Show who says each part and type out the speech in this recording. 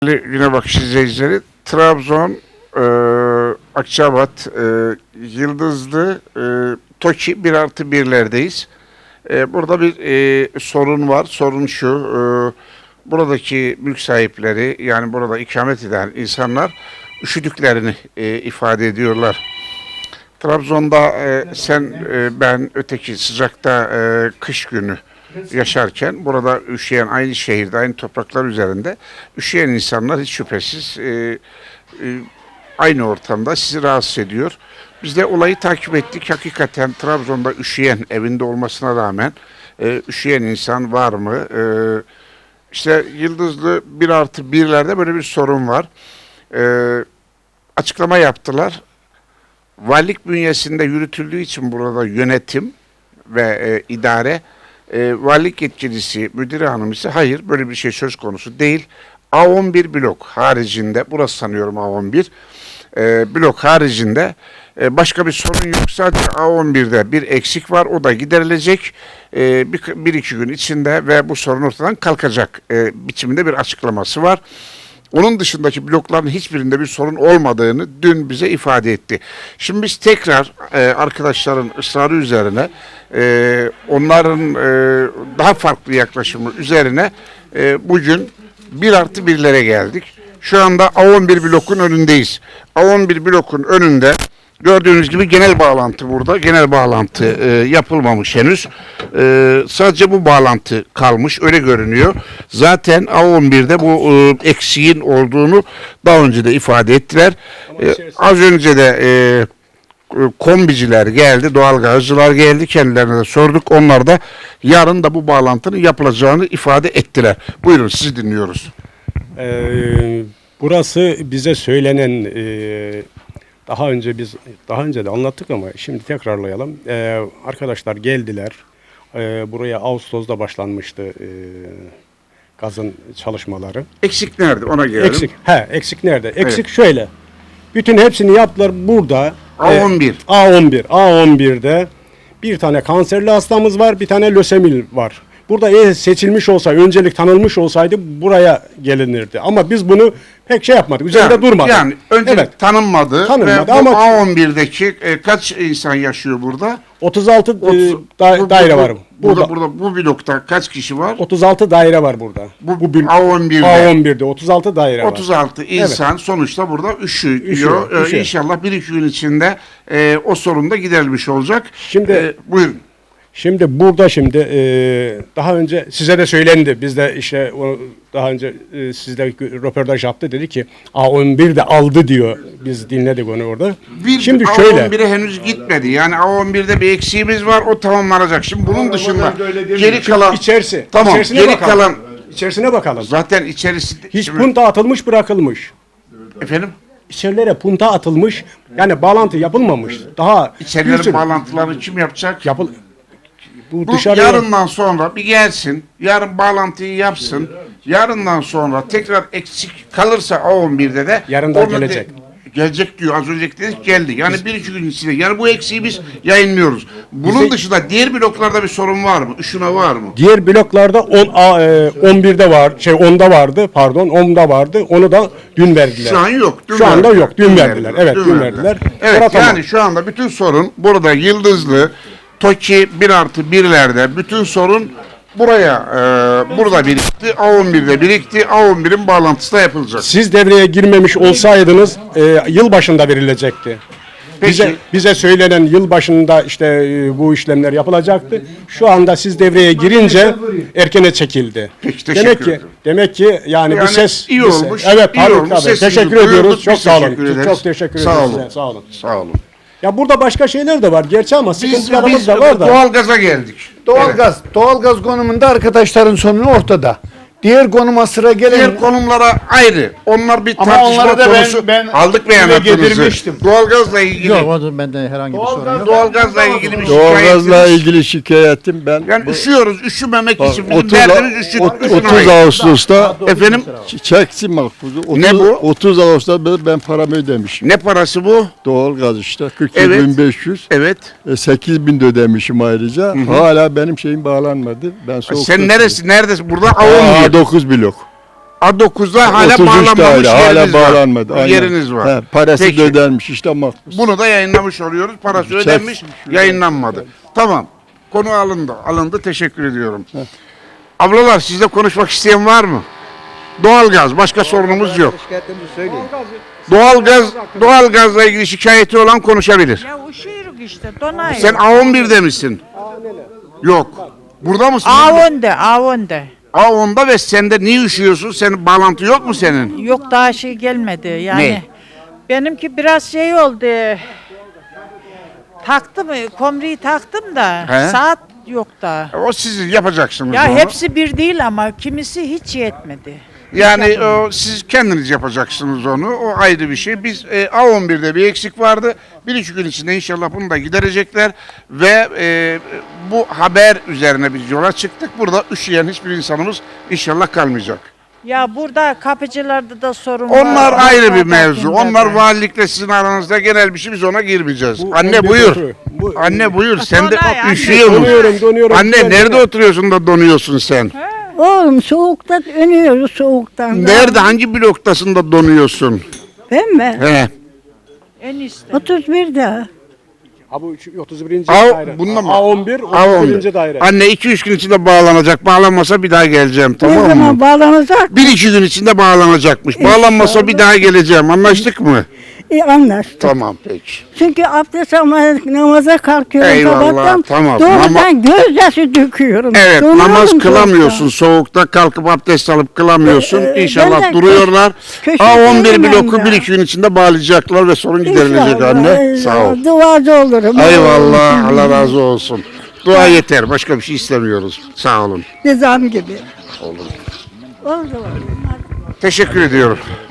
Speaker 1: Güne Bakış izleyicileri, Trabzon, Akçabat, Yıldızlı, TOKİ 1+1'lerdeyiz. Burada bir sorun var. Sorun şu, buradaki mülk sahipleri, yani burada ikamet eden insanlar üşüdüklerini ifade ediyorlar. Trabzon'da sen, ben, öteki sıcakta kış günü yaşarken burada üşüyen, aynı şehirde, aynı topraklar üzerinde üşüyen insanlar hiç şüphesiz aynı ortamda sizi rahatsız ediyor. Biz de olayı takip ettik. Hakikaten Trabzon'da üşüyen, evinde olmasına rağmen üşüyen insan var mı? İşte Yıldızlı 1+1'lerde böyle bir sorun var. Açıklama yaptılar. Valilik bünyesinde yürütüldüğü için burada yönetim ve idare, valilik yetkilisi, müdür hanım ise hayır, böyle bir şey söz konusu değil. A11 blok haricinde, burası sanıyorum A11 blok haricinde başka bir sorun yok. Sadece A11'de bir eksik var, o da giderilecek bir iki gün içinde ve bu sorun ortadan kalkacak biçiminde bir açıklaması var. Onun dışındaki blokların hiçbirinde bir sorun olmadığını dün bize ifade etti. Şimdi biz tekrar arkadaşların ısrarı üzerine, onların daha farklı yaklaşımı üzerine bugün 1+1'lere geldik. Şu anda A11 blokun önündeyiz. A11 blokun önünde gördüğünüz gibi genel bağlantı burada. Genel bağlantı yapılmamış henüz. Sadece bu bağlantı kalmış. Öyle görünüyor. Zaten A11'de bu eksiğin olduğunu daha önce de ifade ettiler. Az önce de kombiciler geldi, doğalgazcılar geldi. Kendilerine de sorduk. Onlar da yarın da bu bağlantının yapılacağını ifade ettiler. Buyurun, sizi dinliyoruz.
Speaker 2: Burası bize söylenen, daha önce de anlattık ama şimdi tekrarlayalım. Arkadaşlar geldiler. Buraya Ağustos'ta başlanmıştı gazın çalışmaları.
Speaker 1: Eksik nerede? Ona gelelim.
Speaker 2: Eksik nerede? Eksik
Speaker 1: Evet.
Speaker 2: şöyle. Bütün hepsini yaptılar burada.
Speaker 1: A11.
Speaker 2: A11'de bir tane kanserli hastamız var, bir tane lösemil var. Burada eğer seçilmiş olsaydı, öncelik tanınmış olsaydı buraya gelinirdi. Ama biz bunu pek şey yapmadık, üzerinde durmadık.
Speaker 1: Yani öncelik tanınmadı ve bu
Speaker 2: ama
Speaker 1: A11'deki kaç insan yaşıyor burada?
Speaker 2: 36 daire var.
Speaker 1: Burada bu blokta kaç kişi var?
Speaker 2: 36 daire var burada. A11'de 36 daire var.
Speaker 1: 36 insan sonuçta burada üşüyor.
Speaker 2: Üşüyor.
Speaker 1: İnşallah bir iki gün içinde o sorun da giderilmiş olacak.
Speaker 2: Şimdi
Speaker 1: buyurun.
Speaker 2: Şimdi burada daha önce size de söylendi. Biz de işte daha önce sizde röportaj yaptı, dedi ki A11 de aldı diyor. Biz dinledik onu orada.
Speaker 1: Şimdi A11'e henüz gitmedi. Yani A11'de bir eksiğimiz var. O tamamlanacak. Şimdi bunun dışında geri kalan tamam. Geri kalan
Speaker 2: içerisine bakalım.
Speaker 1: Zaten içerisi
Speaker 2: hiç punta atılmış, bırakılmış.
Speaker 1: Efendim?
Speaker 2: İçerilere punta atılmış. Yani bağlantı yapılmamış. Daha
Speaker 1: İçerilerin bağlantılarını kim yapacak?
Speaker 2: Bu
Speaker 1: yarından sonra bir gelsin, yarın bağlantıyı yapsın, yarından sonra tekrar eksik kalırsa A11'de de
Speaker 2: yarın da gelecek.
Speaker 1: Gelecek diyor, az önce dedik, geldi. Yani bir iki gün içinde. Yani bu eksiği biz yayınlıyoruz. Bunun dışında diğer bloklarda bir sorun var mı? Üşüme var mı?
Speaker 2: Diğer bloklarda 11'de var, 10'da vardı, pardon 10'da vardı. Onu da dün verdiler.
Speaker 1: Şu an yok.
Speaker 2: Şu anda yok. Dün verdiler. Evet, dün verdiler.
Speaker 1: Evet, yani şu anda bütün sorun burada Yıldızlı, TOKİ 1+1'lerde bütün sorun burada birikti. A11'de birikti. A11'in bağlantısı da yapılacak.
Speaker 2: Siz devreye girmemiş olsaydınız yıl başında verilecekti. Bize söylenen yıl başında işte bu işlemler yapılacaktı. Şu anda siz devreye girince erkene çekildi.
Speaker 1: Peki,
Speaker 2: demek ki yani bu ses
Speaker 1: iyi olmuş.
Speaker 2: Evet,
Speaker 1: iyi olmuş.
Speaker 2: tabii. Teşekkür ediyoruz. Çok sağ olun. Çok teşekkür ederiz.
Speaker 1: Sağ olun. Sağ olun.
Speaker 2: Ya burada başka şeyler de var gerçi ama sıkıntılarımız
Speaker 1: biz
Speaker 2: da var da.
Speaker 1: Doğalgaza geldik.
Speaker 3: Doğalgaz konumunda arkadaşların sorunu ortada. Diğer konuma sıra gelen...
Speaker 1: Diğer konumlara ayrı. Onlar bir
Speaker 3: Ama
Speaker 1: tartışma
Speaker 3: onları da
Speaker 1: konusu.
Speaker 3: ben
Speaker 1: Aldık beyanatınızı.
Speaker 3: getirmiştim.
Speaker 1: Doğalgazla ilgili.
Speaker 4: Yok, o bende herhangi bir sorun yok.
Speaker 1: Doğalgazla ilgili bir
Speaker 4: Doğalgazla
Speaker 1: şikayetiniz.
Speaker 4: ilgili şikayetim ben.
Speaker 1: Yani üşüyoruz. Üşümemek için. Bizim
Speaker 4: 30,
Speaker 1: derdimiz
Speaker 4: 30 Ağustos'ta
Speaker 1: efendim,
Speaker 4: çeksin makbuzu.
Speaker 1: Ne bu?
Speaker 4: 30 Ağustos'ta ben paramı ödemişim.
Speaker 1: ne parası bu?
Speaker 4: Doğalgaz işte
Speaker 1: Evet.
Speaker 4: 42.500.
Speaker 1: Evet.
Speaker 4: 8.000 de ödemişim ayrıca. Hala benim şeyim bağlanmadı. Ben soğuk
Speaker 1: Sen neredesin? Burada
Speaker 4: A9 blok.
Speaker 1: A9'a hala
Speaker 4: 33
Speaker 1: bağlanmamış
Speaker 4: daire, hala
Speaker 1: yeriniz var.
Speaker 4: bağlanmadı. aynen.
Speaker 1: Yeriniz var.
Speaker 4: He, parası
Speaker 1: Peki.
Speaker 4: da ödenmiş işte makbuz.
Speaker 1: Bunu da yayınlamış oluyoruz. Parası ödenmiş, yayınlanmadı. Tamam. Konu alındı. Alındı. Teşekkür ediyorum. Ablalar sizle konuşmak isteyen var mı? Doğalgaz. Başka sorunumuz yok. Doğalgazla ilgili şikayeti olan konuşabilir.
Speaker 5: Ya uşuyoruz işte donayız.
Speaker 1: Sen A11'de misin? Yok. Burada mısın?
Speaker 5: A10'da.
Speaker 1: A10'da ve sende niye üşüyorsun? Senin bağlantı yok mu senin?
Speaker 5: Yok daha şey gelmedi yani.
Speaker 1: Ne?
Speaker 5: Benimki biraz şey oldu. Taktım, komriyi taktım da
Speaker 1: He?
Speaker 5: saat yok da.
Speaker 1: O siz yapacaksınız
Speaker 5: Ya
Speaker 1: onu.
Speaker 5: hepsi bir değil ama kimisi hiç yetmedi.
Speaker 1: Yani siz kendiniz yapacaksınız onu. O ayrı bir şey. Biz A11'de bir eksik vardı. 1-2 gün içinde inşallah bunu da giderecekler. Ve bu haber üzerine biz yola çıktık. Burada üşüyen hiçbir insanımız inşallah kalmayacak.
Speaker 5: Ya burada kapıcılarda da sorun var.
Speaker 1: Onlar ayrı bir mevzu.
Speaker 5: Ortakindede.
Speaker 1: Onlar valilikle sizin aranızda genel bir şey. Biz ona girmeyeceğiz.
Speaker 2: Bu
Speaker 1: Anne
Speaker 2: 11
Speaker 1: buyur.
Speaker 2: doğru. Bu-
Speaker 1: Anne buyur. Sen de
Speaker 5: Donay, anne.
Speaker 1: üşüyor musun?
Speaker 2: Donuyorum.
Speaker 1: Anne nerede oturuyorsun da donuyorsun sen?
Speaker 6: Oğlum soğukta ölüyoruz soğuktan. da.
Speaker 1: Nerede? Hangi bloktasın da donuyorsun?
Speaker 6: Ben mi?
Speaker 1: He.
Speaker 5: En iyisi.
Speaker 6: 31'de.
Speaker 2: Ha bu 31.
Speaker 1: A-
Speaker 2: daire.
Speaker 1: bunda mı?
Speaker 2: A11, 31.
Speaker 1: A11.
Speaker 2: daire.
Speaker 1: Anne 2-3 gün içinde bağlanacak. Bağlanmasa bir daha geleceğim.
Speaker 6: Ne
Speaker 1: Tamam
Speaker 6: zaman
Speaker 1: mı?
Speaker 6: bağlanacak?
Speaker 1: 1-2 gün içinde bağlanacakmış. Bağlanmasa bir daha geleceğim. Anlaştık mı?
Speaker 6: Anlaştık.
Speaker 1: Tamam peki.
Speaker 6: Çünkü abdest almaya namaza kalkıyorum
Speaker 1: Eyvallah,
Speaker 6: sabahtan.
Speaker 1: tamam.
Speaker 6: Doğrudan gözyaşı döküyorum.
Speaker 1: Evet,
Speaker 6: Donuyorum
Speaker 1: namaz
Speaker 6: soğukta.
Speaker 1: kılamıyorsun. Soğukta kalkıp abdest alıp kılamıyorsun.
Speaker 6: Ben
Speaker 1: İnşallah
Speaker 6: de
Speaker 1: duruyorlar.
Speaker 6: köşedeyim
Speaker 1: A11
Speaker 6: ben
Speaker 1: bloku
Speaker 6: de.
Speaker 1: 1-2 gün içinde bağlayacaklar ve sorun giderilecek
Speaker 6: İnşallah,
Speaker 1: anne. Sağ ol.
Speaker 6: Duacı olurum.
Speaker 1: Eyvallah. Allah razı olsun. Dua yeter. Başka bir şey istemiyoruz. Sağ olun.
Speaker 6: Nizam gibi. Oldu.
Speaker 1: Teşekkür ediyorum.